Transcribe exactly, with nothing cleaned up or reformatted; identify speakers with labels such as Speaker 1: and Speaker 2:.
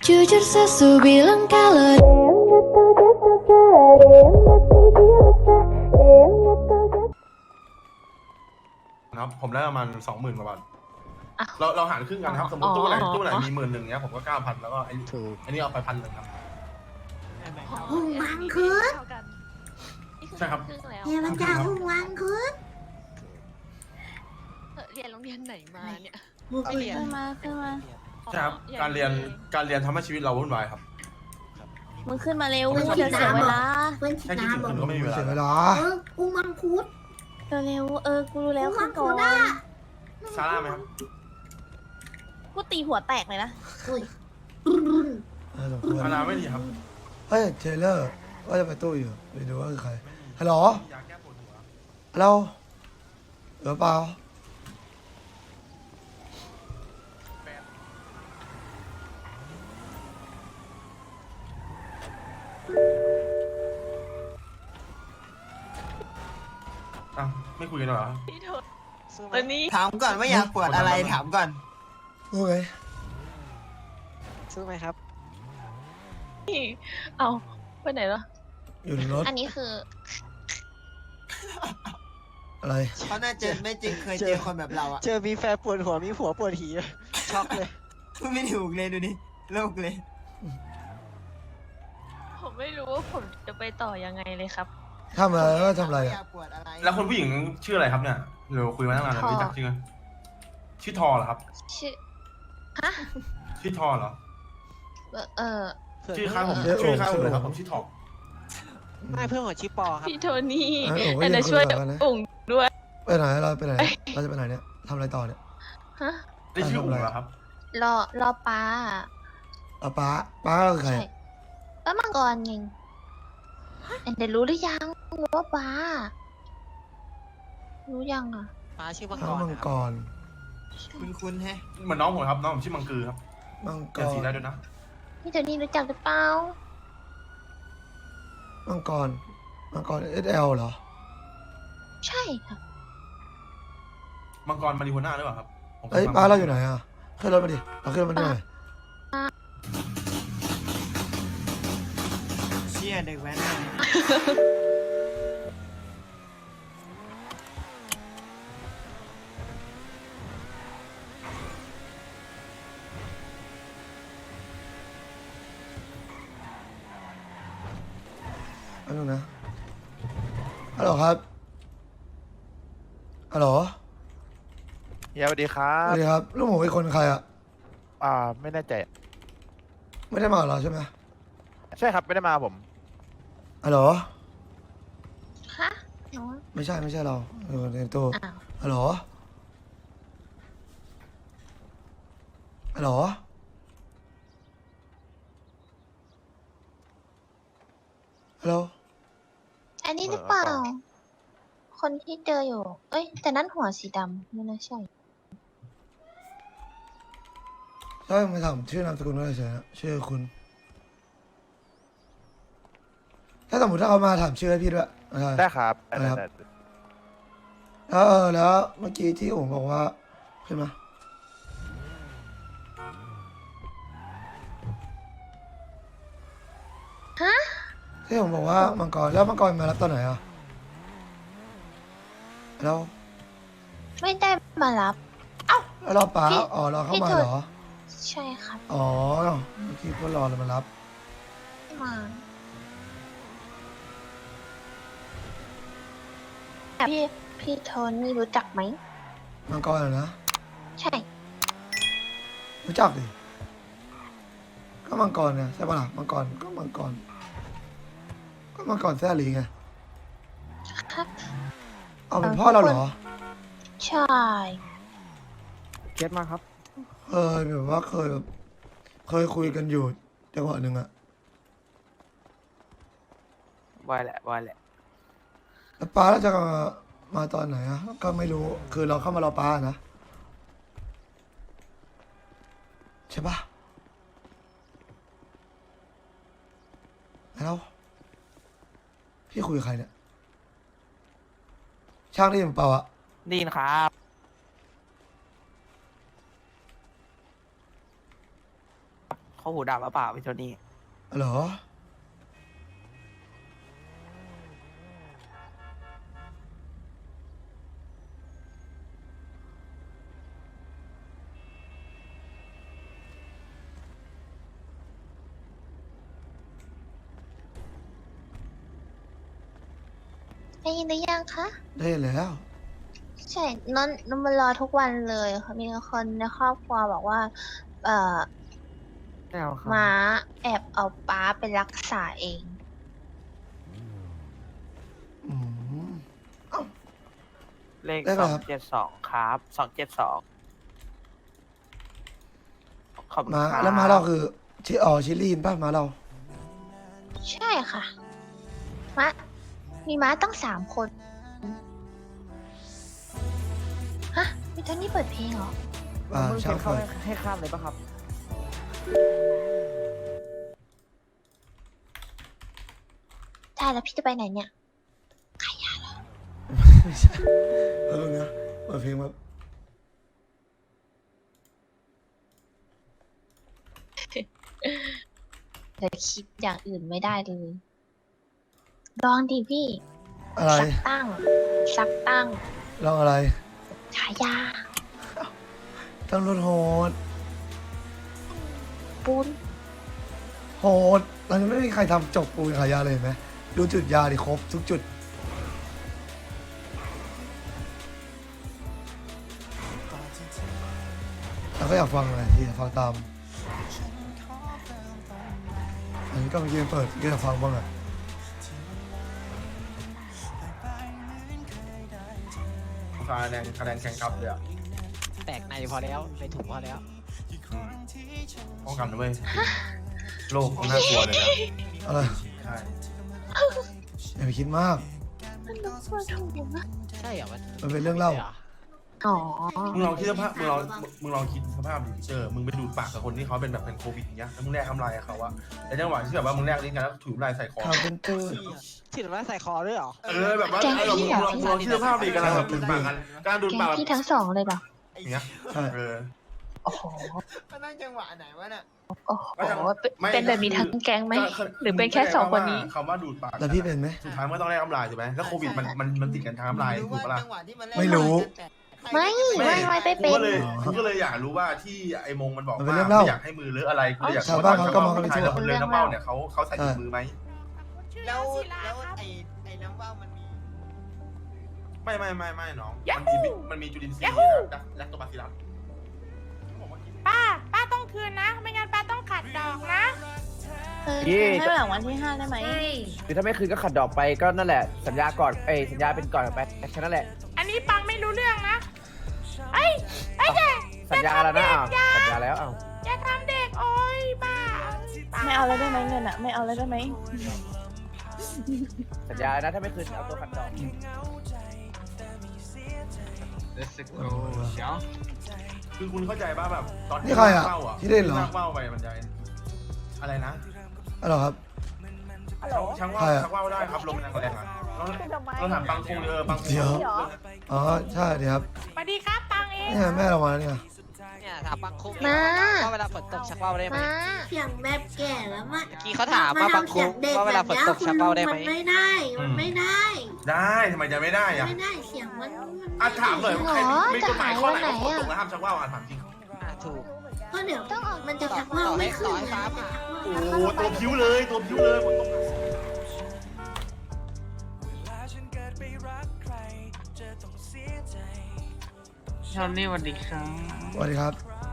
Speaker 1: Jujur sesu bilang kalau
Speaker 2: นะครับผมได้ประมาณสองหมื่นกว่าบาท
Speaker 3: อ่ะ
Speaker 2: เราเราหารครึ่งกันครับ สมมติ
Speaker 3: อ๋อ
Speaker 2: ตู้ไหน
Speaker 3: อ๋อ
Speaker 2: ตู้ไหนมีหมื่นหนึ่งเนี้ยผมก็เก้าพันแล้วก็ไอ้
Speaker 4: ถูก
Speaker 2: อันนี้เอาไปพันหนึ่งครับ
Speaker 5: หุ่นวังคืน
Speaker 2: ใช่ครับ
Speaker 3: ครึ่งแล้ว
Speaker 5: เฮียมันจะหุ่นวังคืน
Speaker 3: เออเรียนโรงเรียนไหนมาเนี่ย
Speaker 5: บุก
Speaker 3: ไม่
Speaker 5: ไป
Speaker 3: เรียน
Speaker 5: ขึ้น
Speaker 6: มาขึ้นมา
Speaker 2: ใช่ครับ
Speaker 3: อ๋อ
Speaker 2: การเรียน
Speaker 3: อง
Speaker 2: การเรียนทำให้ชีวิตเราวุ่นวายครับ
Speaker 6: มึงขึ้นมาเร็ว
Speaker 2: ไม่
Speaker 6: เดี๋ยว
Speaker 2: ใช่
Speaker 6: เสียเวลา
Speaker 5: เพื่อนชิ
Speaker 2: แค่คิด
Speaker 5: นา
Speaker 2: ถึง
Speaker 5: บอก
Speaker 2: คุณก็ไม่มีเวลา
Speaker 4: เสียเวลา
Speaker 5: เออกูมังคุด
Speaker 6: เร็วๆเออ กูรู้แล้ว
Speaker 5: กู
Speaker 6: ขึ้
Speaker 5: มัน ง
Speaker 6: ก่อ
Speaker 5: คุด
Speaker 6: น
Speaker 5: อ่ะ
Speaker 2: ซาร่าไหมครับ
Speaker 6: กูตีหัวแตกเลยนะ
Speaker 5: อุ้ยรุ่นรุ่น
Speaker 4: เออสมควร
Speaker 2: ซาร่าไม่ดีครับ
Speaker 4: เฮ้ยเทเลอร์ว่าจะไปตู้อยู่ไปดูว่าคือใครฮัลโหล
Speaker 2: ยาแก้ปวดหัว
Speaker 4: ฮัลโหลเหลือเปล่า
Speaker 2: อ้าวไม่คุยกันเหรอ
Speaker 3: พี่โทษตอนนี้
Speaker 7: ถามก่อนว่าอยากปวดอะไรถามก่อน
Speaker 4: รู้ไหม
Speaker 7: สู้ไหมครับ
Speaker 3: เอาไปไหนแล้ว
Speaker 4: อยู่ในรถ
Speaker 3: อันนี้คือ
Speaker 4: อะไร
Speaker 7: เพราะน่าเจอไม่จริงเคยเจอคนแบบเราอะ
Speaker 8: เจอมีแฟนปวดหัวมีผัวปวดหีช็อกเลย
Speaker 7: พูดไม่ถูกเลยดูดิโลกเลย
Speaker 3: ผมไม่รู้ว่าผมจะไปต่อยังไงเลยครับ
Speaker 4: ทำอะไรก็ทำอะไร
Speaker 7: อ
Speaker 4: อะ
Speaker 7: ยากปวดอะไร
Speaker 2: แล้วคนผู้หญิงชื่ออะไรครับเนี่ยเราคุยมาตั้งนานแล้ว
Speaker 3: ทอ
Speaker 2: รู้จักชื่อไหมชื่อทอเหรอครับ
Speaker 3: ชื่อฮะ
Speaker 2: ชื่อทอเหรอ
Speaker 3: เออเออ
Speaker 2: ชื่อค้ายผมชื่อค้ายผมเลยครับผมชื่อทอ
Speaker 8: ไม่เพื่อนของชิปปอครับ
Speaker 3: พี่โทนี่
Speaker 4: เอ้ยโอ้ย
Speaker 3: แต่
Speaker 4: ยัง
Speaker 3: จะช่วย
Speaker 4: คุยกันนะ
Speaker 3: อุ่งด้วย
Speaker 4: ไปไหนเราไปไหนเราจะไปไหนเนี่ยทำอะไรต่อเนี่ย
Speaker 3: ฮะ
Speaker 2: ได้ชื่ออุ๋งเหรอครับ
Speaker 3: รอรอป้า
Speaker 4: เอาป้าป้าคือใคร
Speaker 3: ใช่ป้ามังกรไงเดี๋ยวรู้หรือยังว่าป้า รู้ยังอ่ะ
Speaker 8: มาชื่อมังก
Speaker 4: ข้าว
Speaker 8: ร
Speaker 4: มัง
Speaker 8: นะค
Speaker 4: ก
Speaker 8: รับ
Speaker 4: ร
Speaker 7: คุณคุณแฮะ
Speaker 2: เหมือนน้องผมครับน้องผมชื่อมังกือครับ
Speaker 4: มัง
Speaker 2: เป
Speaker 4: ก
Speaker 2: ลี่ยน
Speaker 4: ร
Speaker 2: สีได้ด้วยนะ
Speaker 3: พี่โทนี่รู้จักหรือเปล่า
Speaker 4: มังกรมังกรเอสเอลเหรอ
Speaker 3: ใช่ค่ะ
Speaker 2: มังกรมาริโฮน่าหรือเปล่าครับผมค
Speaker 4: เอ้ย
Speaker 2: ฟัง
Speaker 4: ป้าเราอยู่ไหนอ่ะขึ้นรถมาดิเราขึ้นรถมาหน่อย
Speaker 7: เชี่ยเด็กแว้นเลย
Speaker 4: อันนึงนะฮัลโหลครับฮัลโหล
Speaker 9: เฮียสวัสดีครั
Speaker 4: ส
Speaker 9: บ
Speaker 4: วัสดีครับลูกหมูอีกคนใครอ่ะ
Speaker 9: อ่า ไม่แน่ใจ
Speaker 4: ไม่ได้มาเหรอใช่ไหม
Speaker 9: ใช่ครับ ไม่ได้มาผม
Speaker 4: ฮัลโหล
Speaker 3: ฮะหนู
Speaker 4: ไม่ใช่ไม่ใช่เราอยู่ในตู้
Speaker 3: อ้าว
Speaker 4: ฮัลโหลฮัลโหลฮัลโหล
Speaker 3: อันนี้หรือเปล่า คนที่เจออยู่ เอ้ย แต่นั่นหัวสีดำไม่น่าใช่
Speaker 4: ใช่มาถามชื่อนามสกุลว่าอะไรเฉยนะชื่อคุณถ้าสมมติถ้าเขามาถามชื่อให้พี่ด้วยอะไร
Speaker 9: ได้ครับ
Speaker 4: อะไรครับ
Speaker 9: ได้
Speaker 4: แล้วเออแล้วเมื่อกี้ที่ผมบอกว่าขึ้นมา
Speaker 3: ฮะ
Speaker 4: ที่ผมบอกว่ามังกรแล้วมังกรมารับตอนไหนอ่ะแล้ว
Speaker 3: ไม่ได้มารับ
Speaker 4: แล้วรอป้า
Speaker 3: พี่
Speaker 4: อ๋อรอเข้า
Speaker 3: พี่
Speaker 4: มา
Speaker 3: เถิด
Speaker 4: เหรอ
Speaker 3: ใช่ครับ
Speaker 4: อ๋อเมื่อกี้ก็รอเลยมารับ
Speaker 3: มาพี่ พี่โทนี่รู้จักไหม
Speaker 4: มังกรเหรอนะ
Speaker 3: ใช่
Speaker 4: รู้จักดิก็มังกรเนี่ยใช่ปะล่ะมังกรก็มังกรก็มังกรแซ่หลีไง
Speaker 3: ครับ
Speaker 4: เอาเป็นพ่อเราเหรอ
Speaker 3: ใช่
Speaker 8: เก็ตมาครับ
Speaker 4: เคยแบบว่าเคยแบบเคยคุยกันอยู่จังหวะหนึ่งอะ
Speaker 8: วายแหละวายแหละ
Speaker 4: แล้วป้าแล้วจะมาตอนไหนอะก็ไม่รู้คือเราเข้ามารอป้านะใช่ปะแล้วพี่คุยกับใครเนี่ยช่างได้ยินเปล่าอะ
Speaker 8: ได้ยินครับขอเขาหูดับหรือเปล่าพี่โทนี่
Speaker 4: เหรอ
Speaker 3: ได้ยินหรือยังคะ
Speaker 4: ได้แล้ว
Speaker 3: ใช่นอนนอนมารอทุกวันเลยค่ะมีคนในครอบครัวบอกว่า เอ่อ
Speaker 8: ไม่เอาครับ
Speaker 3: ม้าแอบเอาป้าไปรักษาเอง
Speaker 4: อืม
Speaker 8: เลข
Speaker 4: ได้ไหม
Speaker 8: สอง
Speaker 4: ครับ
Speaker 8: เจ็ดสองครับสองเจ็ดสองขอบคุณ
Speaker 4: มา
Speaker 8: ครับ
Speaker 4: แล้วมาเราคือชิอ๋อชิลีนป่ะมาเรา
Speaker 3: ใช่ค่ะม้ามีม้าตั้งสามคน ฮะมีตอนนี้เปิดเพลงเหรอ
Speaker 4: อ่า
Speaker 8: มึง
Speaker 4: ช่า
Speaker 8: เขีย
Speaker 4: ง
Speaker 8: นเข้า
Speaker 4: เปิด
Speaker 8: ให้ให้ข้ามเลยป่ะครับ
Speaker 3: ได้แล้วพี่จะไปไหนเนี่ย
Speaker 4: ไม่ใช่เออนะเปิดเพลงแบบ
Speaker 3: แต่คิดอย่างอื่นไม่ได้เลย ลองดิพี่
Speaker 4: อะไร
Speaker 3: สักตั้ง สักตั้ง
Speaker 4: ลองอะไร
Speaker 3: ฉายา
Speaker 4: ต้องรถโหด
Speaker 3: ปูน
Speaker 4: โหดเรายังไม่มีใครทำจบปูนขายยาเลยเห็นไหมดูจุดยาดิครบทุกจุดเราก็อยากฟังอะไรที่อยากฟังตามอันนี้ก็เมื่อกี้มันเปิดก็อยากฟังบ้างอะ
Speaker 2: คะแนนคะแนนแข่งขับเลยอะ
Speaker 8: แตกในพอแล้วในถุงพอแล้ว
Speaker 2: ป้องกันนะเว้ยโลกน่ากลัวเลยนะ
Speaker 4: อะไร
Speaker 2: ใช่
Speaker 4: อย่าไปคิดมาก
Speaker 3: มันต้องควรถูกนะ
Speaker 8: ใช่เหรอมัน
Speaker 4: มันเป็นเรื่องเล่า
Speaker 3: อ๋อ
Speaker 2: มึงลองคิดสภาพมึงลองมึงลองคิดสภาพดิเจอมึงไปดูดปากกับคนที่เขาเป็นแบบเป็นโควิดอย่างเงี้ยแล้วมึงแลกทำลายกับเขาอะในจังหวะที่แบบว่ามึงแลกลิ้นกันแล้วถือลายใส่คอ
Speaker 4: ข่าวเป็นตื้อ
Speaker 8: ฉีดว่าใส่คอด้วยเหรอ
Speaker 2: เออแบบว่าเออมึงลองมึงลองคิดสภาพดิกำลังแบบดูดปากกันกำลังดูด
Speaker 3: แก
Speaker 2: ปาก
Speaker 3: ง
Speaker 2: แบบ
Speaker 3: พี่ทั้งสองเลยเหรอ
Speaker 2: อย่างเงี้ย
Speaker 4: ใช่
Speaker 2: เออ
Speaker 3: โอ้โห
Speaker 7: มันนั่งจังหวะไหนวะน่ะ
Speaker 3: โอ้โห
Speaker 2: ไม่
Speaker 3: เป็นแบบนี้ทั้งแก๊งไหม หรือเป็นแค่สองคนนี้
Speaker 2: คำว่าดูดปาก
Speaker 4: แล้วพี่เป็นไหม
Speaker 2: สุดท้ายมันก็ต้องแลกน้ำลายถูกไหมแล้วโควิดมันมันมันติดกันทางน้ำลายถูกปะล่ะ
Speaker 7: จังหวะที่มันเล่น
Speaker 4: ไม่รู้
Speaker 3: ไม่ ไม่ไม่ไปเป็น
Speaker 2: กูก็เลยกูก็เลยอยากรู้ว่าที่ไอ้มงมันบอก
Speaker 4: มันเป็
Speaker 2: ว่าน
Speaker 4: เรื่องเล่า
Speaker 2: ไม่อยากให้มือเลอะอะไรกูเลยอยาก
Speaker 4: ชาวบ้านเขาก็มองกัน
Speaker 2: ไป
Speaker 4: ไปทั่
Speaker 2: ทั่
Speaker 4: ว
Speaker 2: วเลยน้ำเบ้าเนี่ยเขาเขาใส่ถุงมือไหม
Speaker 7: แล้วแล้วไอ้ไอ้น้ำว่าวมันมี
Speaker 2: ไม่ไม่ไม่ไม่น้องมันมีมันมีจุลินทรีย์นะแลคโตบาซิลลัส
Speaker 6: ป้า ป้าต้องคืนนะ ไม่งั้นป้าต้องขัดดอกนะ
Speaker 3: เออ
Speaker 8: ยี่
Speaker 6: ให้หลังวันที่ห้าได้ไหม
Speaker 8: คือถ้าไม่คืนก็ขัดดอกไปก็นั่นแหละ สัญญาก่อนเอ้ยสัญญาเป็นก่อนไปแค่นั้นแหละ
Speaker 6: อันนี้ปังไม่รู้เรื่องนะเอ้ยเอ้ยอย่า
Speaker 8: สัญญาแล้วนะอ้าวสัญญาแล้วอ้าว
Speaker 6: อย่าทำเด็กโอ้ยบ้า ไม่เอาแล้วได้ไหมเงินอะไม่เอาแล้วได้ไหม
Speaker 8: สัญญานะถ้าไม่คืนเอาตัวขัดดอก
Speaker 2: คือคุณเข้าใจป่ะแบบตอน
Speaker 4: นี่ใครอะ
Speaker 2: เป้าอะ
Speaker 4: ที่เล่นเหรอ
Speaker 2: ที่เป้าไปมันจะอะไรนะ
Speaker 4: อะไรครับ
Speaker 2: ช่างว่า
Speaker 4: ใครอะ
Speaker 2: ช่างว่าได้ครับลมแรงแรงอะเราเราถามปังคงเออปังคง
Speaker 4: เดี๋ยว อ๋อใช่เดี๋ยวครับ
Speaker 6: สวัสดีครับปังเอง
Speaker 4: เนี่ยแม่เรามาแล้วเนี่ย
Speaker 8: เนี่ยถามบางคุ้ม
Speaker 3: มา
Speaker 8: ว่าเวลาฝนตกชักว่าวได้ไหม
Speaker 3: มา
Speaker 5: เสียงแบบแก่แล้วมั้
Speaker 8: เมื่อกี้เขาถามว่าบางคุ้มว่าเวลาฝนตกชักว่าวได้ไหม
Speaker 5: มันไม่ได้ มันไม่ได้
Speaker 2: ได้ทำไมจะไม่ได้อะ
Speaker 5: ไม่ได้เสียงมันมัน
Speaker 2: อ่ะถามหน่อยว่าใครมี
Speaker 3: หรอ
Speaker 2: มีกฎหมายข้อไหน
Speaker 3: จะหาย
Speaker 2: ว่าฝน
Speaker 3: วันไหนอะ
Speaker 2: ตกแล้วห้ามชักว่าวอ่ะถามจริง
Speaker 8: อ่าถูก
Speaker 5: ก็เดี๋ยว
Speaker 3: ต้องออก
Speaker 5: มันจะชักว่าวไม่ขึ้น
Speaker 8: ต่อให้
Speaker 5: นะ
Speaker 8: ฟ้า
Speaker 5: จะ
Speaker 8: ผ่า
Speaker 5: ชักว่าว
Speaker 2: โอ้โหตัวผิวเลยตัวผิวเลยฝนตก
Speaker 8: ชอนนี่สวัสดีครับ
Speaker 4: สวัสดีครับ